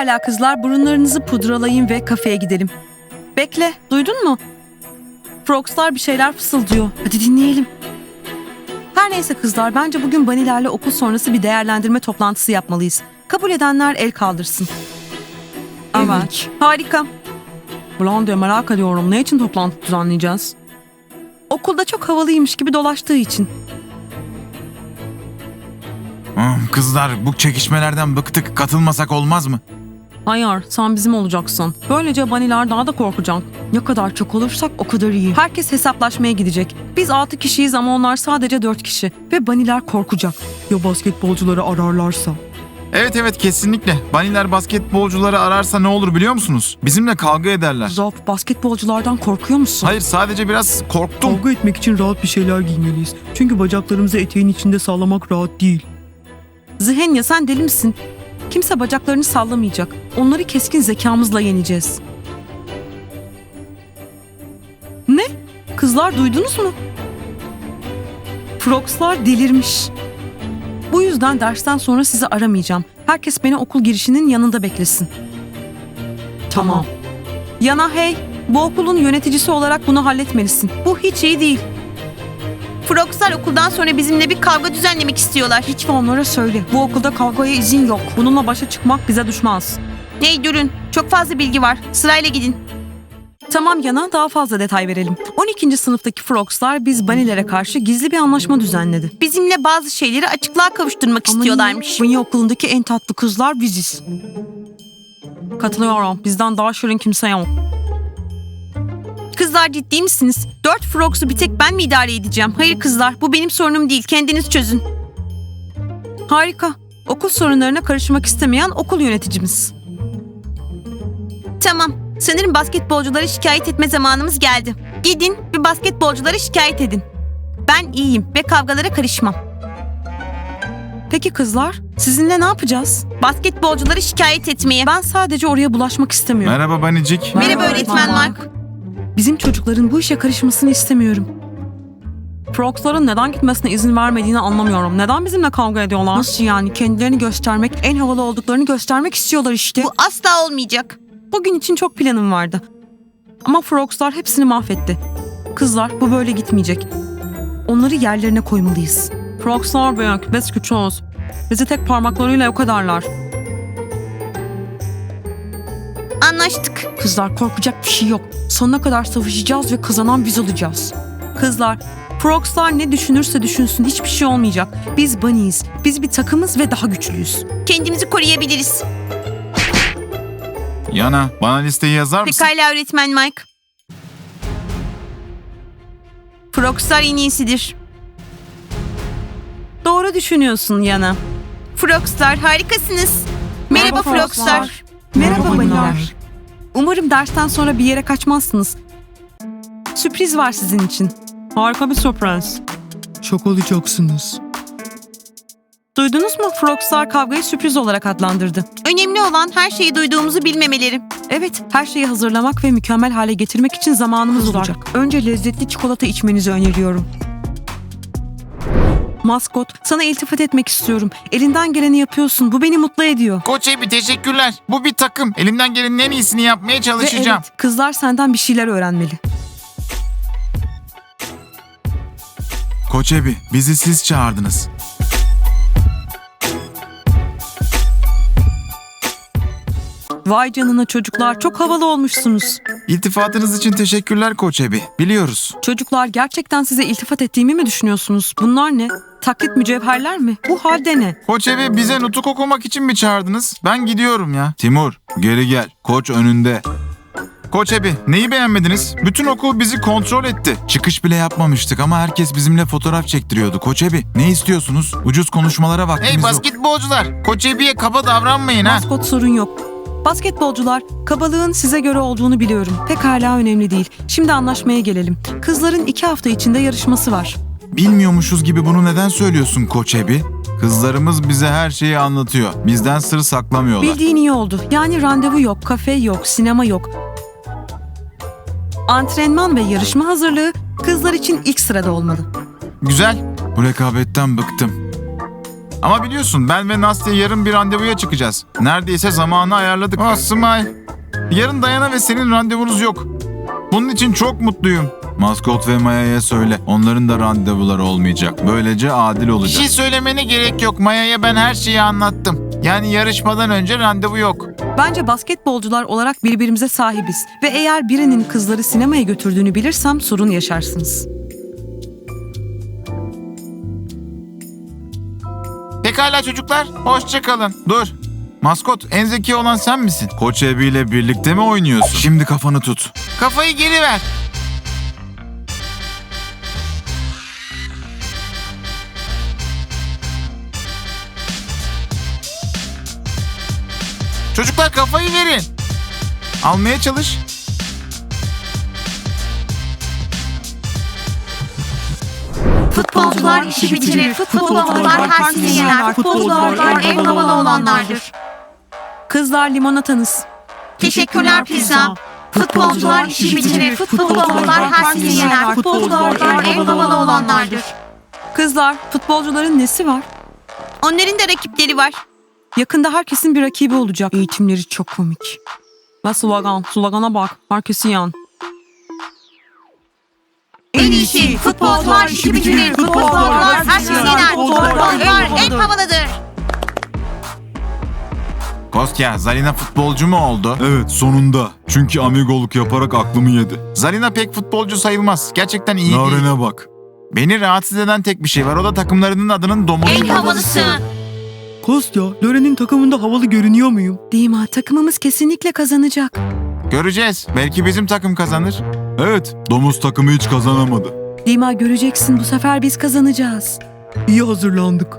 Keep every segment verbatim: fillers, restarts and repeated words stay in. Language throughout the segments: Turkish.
Pekala kızlar, burunlarınızı pudralayın ve kafeye gidelim. Bekle, duydun mu? Frogslar bir şeyler fısıldıyor. Hadi dinleyelim. Her neyse kızlar, bence bugün Bunny'lerle okul sonrası bir değerlendirme toplantısı yapmalıyız. Kabul edenler el kaldırsın. Evet. Harika. Blondie, merak ediyorum. Ne için toplantı düzenleyeceğiz? Okulda çok havalıymış gibi dolaştığı için. Hmm, Kızlar, bu çekişmelerden bıktık. Katılmasak olmaz mı? Hayır, sen bizim olacaksın. Böylece Bunny'ler daha da korkacak. Ne kadar çok olursak o kadar iyi. Herkes hesaplaşmaya gidecek. Biz altı kişiyiz ama onlar sadece dört kişi. Ve Bunny'ler korkacak. Ya basketbolcuları ararlarsa? Evet evet, kesinlikle. Bunny'ler basketbolcuları ararsa ne olur biliyor musunuz? Bizimle kavga ederler. Zop, basketbolculardan korkuyor musun? Hayır, sadece biraz korktum. Kavga etmek için rahat bir şeyler giymeliyiz. Çünkü bacaklarımızı eteğin içinde sallamak rahat değil. Zihenya, sen deli misin? Kimse bacaklarını sallamayacak. Onları keskin zekamızla yeneceğiz. Ne? Kızlar, duydunuz mu? Frogslar delirmiş. Bu yüzden dersten sonra sizi aramayacağım. Herkes beni okul girişinin yanında beklesin. Tamam. Yana, hey, bu okulun yöneticisi olarak bunu halletmelisin. Bu hiç iyi değil. Frogslar okuldan sonra bizimle bir kavga düzenlemek istiyorlar. Lütfen onlara söyle. Bu okulda kavgaya izin yok. Bununla başa çıkmak bize düşmez. Hey durun, çok fazla bilgi var. Sırayla gidin. Tamam Yana, daha fazla detay verelim. on ikinci sınıftaki Frogslar biz Bunny'lere karşı gizli bir anlaşma düzenledi. Bizimle bazı şeyleri açıklığa kavuşturmak istiyorlarmış. Bunny okulundaki en tatlı kızlar biziz. Katılıyorum. Bizden daha şirin kimse yok. Kızlar, ciddi misiniz? Dört Frogs'u bir tek ben mi idare edeceğim? Hayır kızlar, bu benim sorunum değil. Kendiniz çözün. Harika. Okul sorunlarına karışmak istemeyen okul yöneticimiz. Tamam, sanırım basketbolculara şikayet etme zamanımız geldi. Gidin ve basketbolculara şikayet edin. Ben iyiyim ve kavgalara karışmam. Peki kızlar, sizinle ne yapacağız? Basketbolcuları şikayet etmeye. Ben sadece oraya bulaşmak istemiyorum. Merhaba Bunnycik. Merhaba öğretmen Mark. Bizim çocukların bu işe karışmasını istemiyorum. Frogs'ların neden gitmesine izin vermediğini anlamıyorum. Neden bizimle kavga ediyorlar? Nasıl yani? Kendilerini göstermek, en havalı olduklarını göstermek istiyorlar işte. Bu asla olmayacak. Bugün için çok planım vardı. Ama Frogs'lar hepsini mahvetti. Kızlar, bu böyle gitmeyecek. Onları yerlerine koymalıyız. Frogs'lar büyük, biz küçüğüz. Bizi tek parmaklarıyla yok ederler. Anlaştık. Kızlar, korkacak bir şey yok. Sonuna kadar savaşacağız ve kazanan biz olacağız. Kızlar, Frogs'lar ne düşünürse düşünsün hiçbir şey olmayacak. Biz Bunny'yiz. Biz bir takımız ve daha güçlüyüz. Kendimizi koruyabiliriz. Yana, bana listeyi yazar mısın? Pekala öğretmen Mike. Frogslar en iyisidir. Doğru düşünüyorsun Yana. Frogslar harikasınız. Merhaba, Frogslar. Merhaba Merhaba Bunny'ler. Bunny'ler. Umarım dersten sonra bir yere kaçmazsınız. Sürpriz var sizin için. Harika bir sürpriz. Şok olacaksınız. Duydunuz mu? Frogslar kavgayı sürpriz olarak adlandırdı. Önemli olan her şeyi duyduğumuzu bilmemeleri. Evet, her şeyi hazırlamak ve mükemmel hale getirmek için zamanımız Kızlar. olacak. Önce lezzetli çikolata içmenizi öneriyorum. Maskot, sana iltifat etmek istiyorum. Elinden geleni yapıyorsun. Bu beni mutlu ediyor. Koç Ebi, teşekkürler. Bu bir takım. Elimden gelenin en iyisini yapmaya Ve çalışacağım. evet, kızlar senden bir şeyler öğrenmeli. Koç Ebi, bizi siz çağırdınız. Vay canına çocuklar, çok havalı olmuşsunuz. İltifatınız için teşekkürler Koç Ebi. Biliyoruz. Çocuklar, gerçekten size iltifat ettiğimi mi düşünüyorsunuz? Bunlar ne? Taklit mücevherler mi? Bu halde ne? Koç Ebi, bize nutuk okumak için mi çağırdınız? Ben gidiyorum ya. Timur, geri gel. Koç önünde. Koç Ebi, neyi beğenmediniz? Bütün okul bizi kontrol etti. Çıkış bile yapmamıştık ama herkes bizimle fotoğraf çektiriyordu. Koç Ebi, ne istiyorsunuz? Ucuz konuşmalara vaktimiz Hey yok. basketbolcular, Koç Ebi'ye kaba davranmayın ha. Maskot, sorun yok. Basketbolcular, kabalığın size göre olduğunu biliyorum. Pekala önemli değil. Şimdi anlaşmaya gelelim. Kızların iki hafta içinde yarışması var. Bilmiyormuşuz gibi bunu neden söylüyorsun Koç Ebi? Kızlarımız bize her şeyi anlatıyor. Bizden sır saklamıyorlar. Bildiğin iyi oldu. Yani randevu yok, kafe yok, sinema yok. Antrenman ve yarışma hazırlığı kızlar için ilk sırada olmalı. Güzel. Bu rekabetten bıktım. Ama biliyorsun ben ve Nastya yarın bir randevuya çıkacağız. Neredeyse zamanı ayarladık. Oh Smile. Yarın Dayana ve senin randevunuz yok. Bunun için çok mutluyum. Maskot ve Maya'ya söyle. Onların da randevuları olmayacak. Böylece adil Bir olacak. şey söylemene gerek yok. Maya'ya ben her şeyi anlattım. Yani yarışmadan önce randevu yok. Bence basketbolcular olarak birbirimize sahibiz. Ve eğer birinin kızları sinemaya götürdüğünü bilirsem sorun yaşarsınız. Pekala çocuklar, hoşça kalın. Dur. Maskot, en zeki olan sen misin? Koç Ebi ile birlikte mi oynuyorsun? Şimdi kafanı tut. Kafayı geri ver. Çocuklar kafayı verin. Almaya çalış. Futbolcular işi bitirir. Futbolcular herkesi yener. Futbolcular en havalı olanlardır. Kızlar limonatanız. Teşekkürler pizza. Futbolcular işi bitirir. Futbolcular herkesi yener. Futbolcular en havalı olanlardır. Kızlar, futbolcuların nesi var? Onların da rakipleri var. Yakında herkesin bir rakibi olacak. Eğitimleri çok komik. Ve slogan, slogana bak. Herkesi yan. En iyisi futbolcular işi bitirir. Futbolcular herkesi yener. Futbolcular en havalıdır. Kostya, Zarina futbolcu mu oldu? Evet sonunda. Çünkü amigoluk yaparak aklımı yedi. Zarina pek futbolcu sayılmaz. Gerçekten iyi değil. Naren'e bak. Beni rahatsız eden tek bir şey var. O da takımlarının adının domuzu. En havalısı. Kostya, Loren'in takımında havalı görünüyor muyum? Dima, takımımız kesinlikle kazanacak. Göreceğiz. Belki bizim takım kazanır. Evet, domuz takımı hiç kazanamadı. Dima, göreceksin, bu sefer biz kazanacağız. İyi hazırlandık.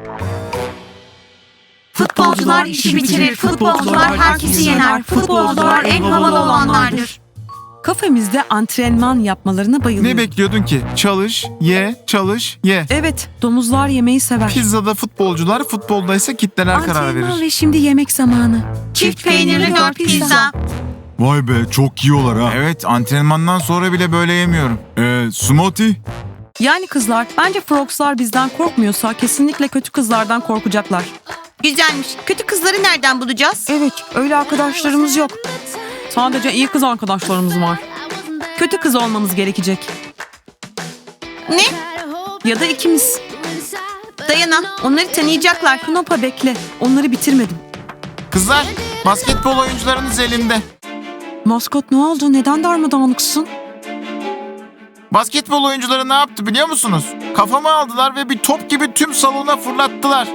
Futbolcular işi bitirir. Futbolcular herkesi yener. Futbolcular en havalı olanlardır. Kafemizde antrenman yapmalarına Ne bayılıyorum. bekliyordun ki? Çalış, ye, çalış, ye. Evet, domuzlar yemeği sever. Pizzada futbolcular, futbolda ise kitleler karar Antrenman verir. ve şimdi yemek zamanı. Çift peynirli dört pizza. Vay be çok yiyorlar ha. Evet, antrenmandan sonra bile böyle yemiyorum. Eee smoothie? Yani kızlar, bence Frogs'lar bizden korkmuyorsa kesinlikle kötü kızlardan korkacaklar. Güzelmiş. Kötü kızları nereden bulacağız? Evet, öyle arkadaşlarımız yok. Sadece iyi kız arkadaşlarımız var. Kötü kız olmamız gerekecek. Ne? Ya da ikimiz. Dayana, onları tanıyacaklar. Knopa bekle, onları bitirmedim. Kızlar, basketbol oyuncularınız elimde. Maskot ne oldu? Neden darmadağınıksın? Basketbol oyuncuları ne yaptı biliyor musunuz? Kafamı aldılar ve bir top gibi tüm salona fırlattılar.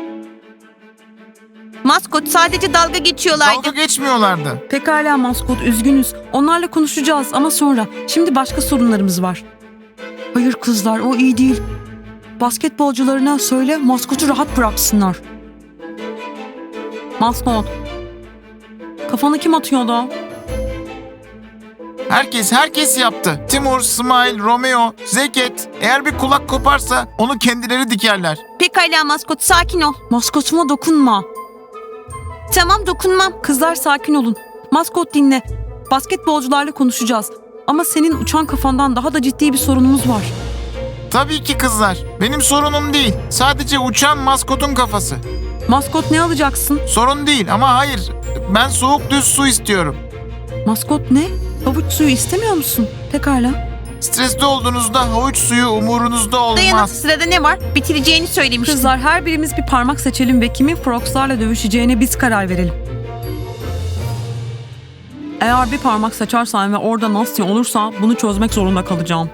Maskot sadece dalga geçiyorlardı. Dalga geçmiyorlardı. Pekala maskot, üzgünüz. Onlarla konuşacağız ama sonra. Şimdi başka sorunlarımız var. Hayır kızlar, o iyi değil. Basketbolcularına söyle maskotu rahat bıraksınlar. Maskot. Kafanı kim atıyor da? Herkes herkes yaptı. Timur, Smile, Romeo, Zeket. Eğer bir kulak koparsa onu kendileri dikerler. Pekala maskot, sakin ol. Maskotuma dokunma. Tamam, dokunmam. Kızlar sakin olun. Maskot dinle. Basketbolcularla konuşacağız. Ama senin uçan kafandan daha da ciddi bir sorunumuz var. Tabii ki kızlar. Benim sorunum değil. Sadece uçan maskotun kafası. Maskot ne alacaksın? Sorun değil ama hayır. Ben soğuk düz su istiyorum. Maskot ne? Havuç suyu istemiyor musun? Pekala. Stresli olduğunuzda havuç suyu umurunuzda Dayana, olmaz. sırada ne var? Bitireceğini söylemiştin. Kızlar her birimiz bir parmak seçelim ve kimin Frogs'larla dövüşeceğine biz karar verelim. Eğer bir parmak seçersen ve orada Nastya olursa bunu çözmek zorunda kalacağım.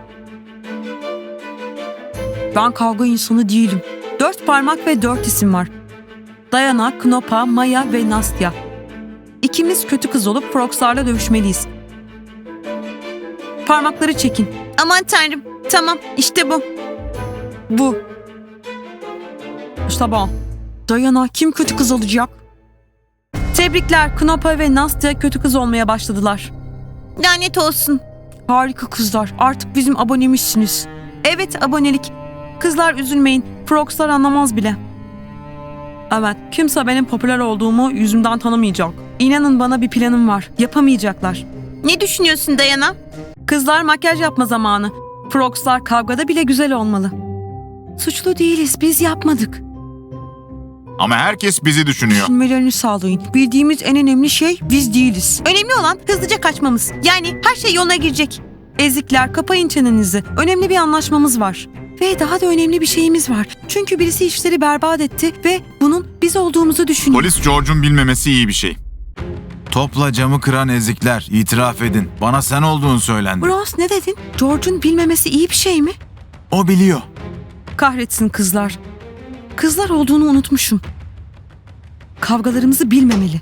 Ben kavga insanı değilim. Dört parmak ve dört isim var. Dayana, Knopa, Maya ve Nastya. İkimiz kötü kız olup Frogs'larla dövüşmeliyiz. Parmakları çekin. Aman tanrım. Tamam, işte bu. Bu. İşte bu. Dayana, kim kötü kız olacak? Tebrikler, Knopa ve Nastya kötü kız olmaya başladılar. Lanet olsun. Harika kızlar, artık bizim abonemizsiniz. Evet, abonelik. Kızlar üzülmeyin, Frogs'lar anlamaz bile. Evet, kimse benim popüler olduğumu yüzümden tanımayacak. İnanın bana bir planım var, yapamayacaklar. Ne düşünüyorsun Dayana? Kızlar makyaj yapma zamanı. Frogs'lar kavgada bile güzel olmalı. Suçlu değiliz, biz yapmadık. Ama herkes bizi düşünüyor. Düşünmelerini sağlayın. Bildiğimiz en önemli şey biz değiliz. Önemli olan hızlıca kaçmamız. Yani her şey yoluna girecek. Ezikler, kapayın çenenizi. Önemli bir anlaşmamız var. Ve daha da önemli bir şeyimiz var. Çünkü birisi işleri berbat etti ve bunun biz olduğumuzu düşünüyor. Polis George'un bilmemesi iyi bir şey. Topla camı kıran ezikler, itiraf edin. Bana sen olduğunu söylendi. Bros ne dedin? George'un bilmemesi iyi bir şey mi? O biliyor. Kahretsin kızlar. Kızlar olduğunu unutmuşum. Kavgalarımızı bilmemeli.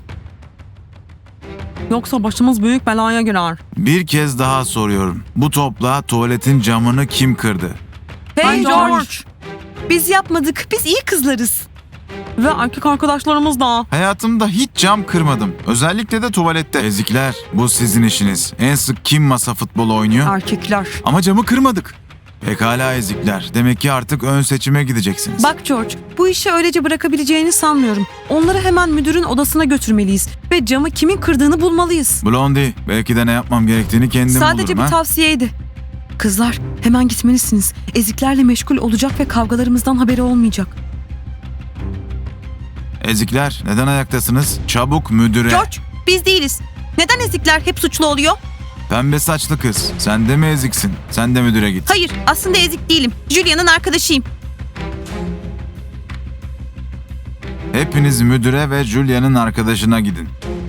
Yoksa başımız büyük belaya girer. Bir kez daha soruyorum. Bu topla tuvaletin camını kim kırdı? Hey Ay, George. George. Biz yapmadık. Biz iyi kızlarız. Ve erkek arkadaşlarımız da. Hayatımda hiç cam kırmadım. Özellikle de tuvalette. Ezikler, bu sizin işiniz. En sık kim masa futbolu oynuyor? Erkekler. Ama camı kırmadık. Pekala ezikler. Demek ki artık ön seçime gideceksiniz. Bak George, bu işi öylece bırakabileceğini sanmıyorum. Onları hemen müdürün odasına götürmeliyiz. Ve camı kimin kırdığını bulmalıyız. Blondie, belki de ne yapmam gerektiğini kendim Sadece bulurum bir ha? tavsiyeydi. Kızlar, hemen gitmelisiniz. Eziklerle meşgul olacak ve kavgalarımızdan haberi olmayacak. Ezikler, neden ayaktasınız? Çabuk müdüre. George, biz değiliz. Neden ezikler hep suçlu oluyor? Pembe saçlı kız. Sen de mi eziksin? Sen de müdüre git. Hayır, aslında ezik değilim. Julia'nın arkadaşıyım. Hepiniz müdüre ve Julia'nın arkadaşına gidin.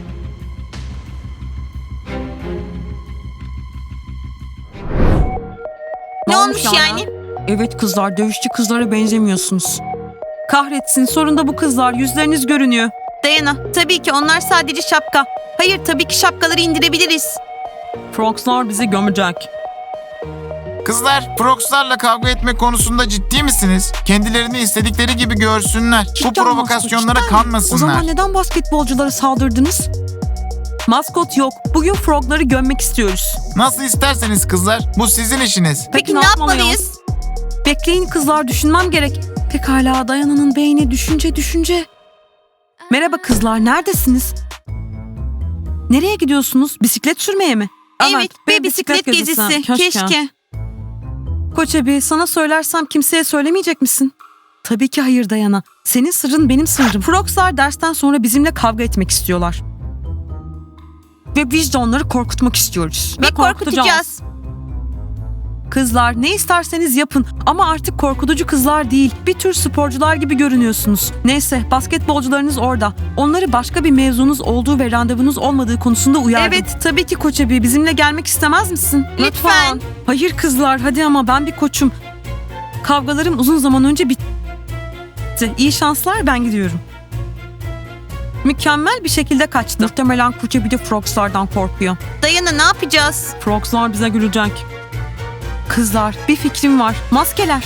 Ne olmuş yani? Evet kızlar, dövüşçü kızlara benzemiyorsunuz. Kahretsin, sonunda bu kızlar, yüzleriniz görünüyor. Dayana, tabii ki onlar sadece şapka. Hayır, tabii ki şapkaları indirebiliriz. Frogslar bizi gömecek. Kızlar, Prox'larla kavga etme konusunda ciddi misiniz? Kendilerini istedikleri gibi görsünler. Bu Cidden provokasyonlara maskot, cidden mi? kanmasınlar. O zaman neden basketbolculara saldırdınız? Maskot yok. Bugün frogları gömmek istiyoruz. Nasıl isterseniz kızlar, bu sizin işiniz. Peki, ne yapmalıyız? Bekleyin kızlar, düşünmem gerek. Pekala, Dayana'nın beyni düşünce düşünce. Merhaba kızlar, neredesiniz? Nereye gidiyorsunuz? Bisiklet sürmeye mi? Evet, ve bisiklet gezisi. Keşke. Koç abi, sana söylersem kimseye söylemeyecek misin? Tabii ki hayır Dayana. Senin sırrın benim sırrım. Frogslar dersten sonra bizimle kavga etmek istiyorlar. Ve biz de onları korkutmak istiyoruz. Ve korkutacağız. Kızlar, ne isterseniz yapın ama artık korkutucu kızlar değil. Bir tür sporcular gibi görünüyorsunuz. Neyse, basketbolcularınız orada. Onları başka bir mevzunuz olduğu ve randevunuz olmadığı konusunda uyardım. Evet, tabii ki Koç abi. Bizimle gelmek istemez misin? Lütfen. Hayır kızlar, hadi ama ben bir koçum. Kavgalarım uzun zaman önce bitti. İyi şanslar, ben gidiyorum. Mükemmel bir şekilde kaçtı. Muhtemelen Koç abi de Frogslardan korkuyor. Dayana, ne yapacağız? Frogslar bize gülecek. Kızlar, bir fikrim var. Maskeler.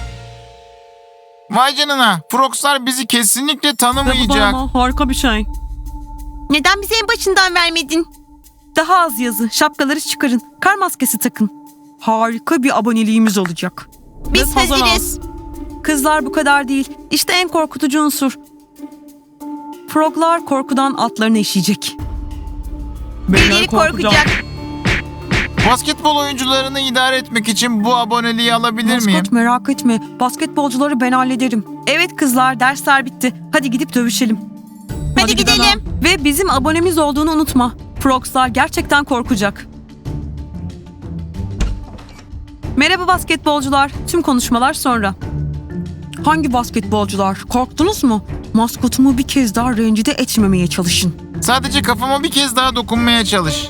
Vay canına, Prox'lar bizi kesinlikle Ve bu tanımayacak. bana harika bir şey. Neden bize en başından vermedin? Daha az yazı, şapkaları çıkarın, kar maskesi takın. Harika bir aboneliğimiz olacak. Biz Ve hazırlan. hazırız. Kızlar bu kadar değil. İşte en korkutucu unsur. Froglar korkudan atlarına işeyecek. Birileri korkacak. Basketbol oyuncularını idare etmek için bu aboneliği alabilir miyim? Maskot merak etme. Basketbolcuları ben hallederim. Evet kızlar, dersler bitti. Hadi gidip dövüşelim. Hadi gidelim. Ve bizim abonemiz olduğunu unutma. Frogslar gerçekten korkacak. Merhaba basketbolcular. Tüm konuşmalar sonra. Hangi basketbolcular? Korktunuz mu? Maskotumu bir kez daha rencide etmemeye çalışın. Sadece kafama bir kez daha dokunmaya çalış.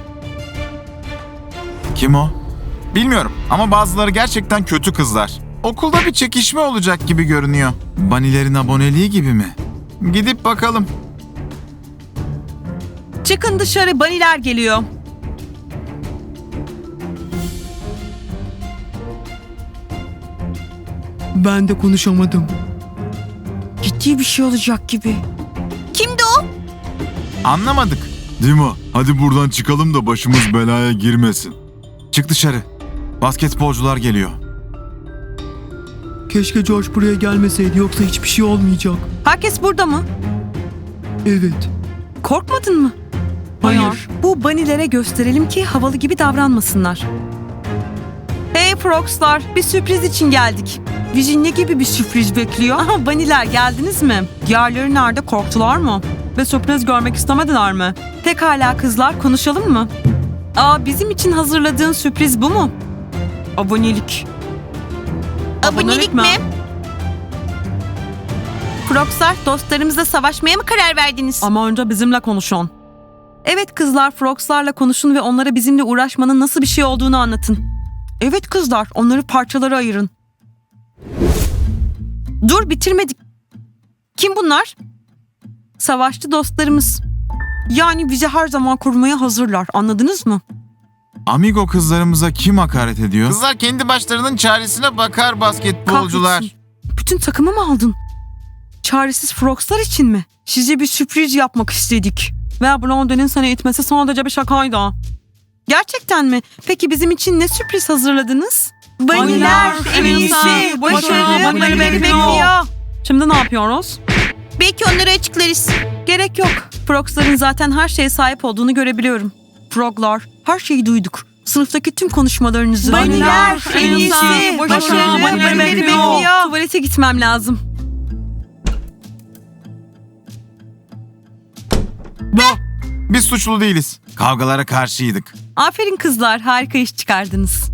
Kim o? Bilmiyorum ama bazıları gerçekten kötü kızlar. Okulda bir çekişme olacak gibi görünüyor. Banilerin aboneliği gibi mi? Gidip bakalım. Çıkın dışarı, baniler geliyor. Ben de konuşamadım. Ciddi bir şey olacak gibi. Kimdi o? Anlamadık. Dima, hadi buradan çıkalım da başımız belaya girmesin. Çık dışarı. Basketbolcular geliyor. Keşke George buraya gelmeseydi, yoksa hiçbir şey olmayacak. Herkes burada mı? Evet. Korkmadın mı? Hayır. Bu banilere gösterelim ki havalı gibi davranmasınlar. Hey Frogslar, bir sürpriz için geldik. Bizi ne gibi bir sürpriz bekliyor? Aha Baniler geldiniz mi? Diğerleri nerede, korktular mı? Ve sürpriz görmek istemediler mi? Pekala kızlar, konuşalım mı? Aa, bizim için hazırladığın sürpriz bu mu? Abonelik. Abonelik mi? Frogslar, dostlarımızla savaşmaya mı karar verdiniz? Ama önce bizimle konuşun. Evet kızlar, Frogs'larla konuşun ve onlara bizimle uğraşmanın nasıl bir şey olduğunu anlatın. Evet kızlar, onları parçalara ayırın. Dur, bitirmedik. Kim bunlar? Savaşçı dostlarımız. Yani bizi her zaman korumaya hazırlar, anladınız mı? Amigo kızlarımıza kim hakaret ediyor? Kızlar kendi başlarının çaresine bakar basketbolcular. Kahretsin. Bütün takımı mı aldın? Çaresiz Frogs'lar için mi? Size bir sürpriz yapmak istedik. Ve Blondie'nin seni itmesi sadece bir şakaydı. Gerçekten mi? Peki bizim için ne sürpriz hazırladınız? Baniler, en iyisi. Başarı, Başarı, banileri banileri bekliyor. bekliyor. Şimdi ne yapıyoruz? Belki onları açıklarız. Gerek yok. Frogs'ların zaten her şeye sahip olduğunu görebiliyorum. Froglar, her şeyi duyduk. Sınıftaki tüm konuşmalarınızı. Baniler, en iyisi. Başarı, banileri bekliyor. Tuvalete gitmem lazım. Biz suçlu değiliz. Kavgalara karşıydık. Aferin kızlar, harika iş çıkardınız.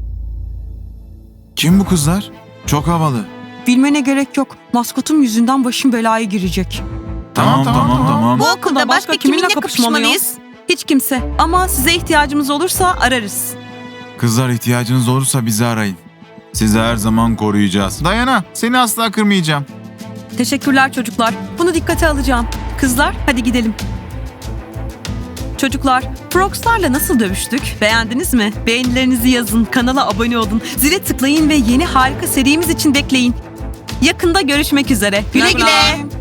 Kim bu kızlar? Çok havalı. Bilmene gerek yok. Maskotum yüzünden başım belaya girecek. Tamam tamam tamam. Bu okulda başka kiminle kapışmalıyız? Hiç kimse. Ama size ihtiyacımız olursa ararız. Kızlar ihtiyacınız olursa bizi arayın. Sizi her zaman koruyacağız. Dayana, seni asla kırmayacağım. Teşekkürler çocuklar. Bunu dikkate alacağım. Kızlar, hadi gidelim. Çocuklar, Frogs'larla nasıl dövüştük? Beğendiniz mi? Beğenilerinizi yazın, kanala abone olun, zile tıklayın ve yeni harika serimiz için bekleyin. Yakında görüşmek üzere. Güle güle.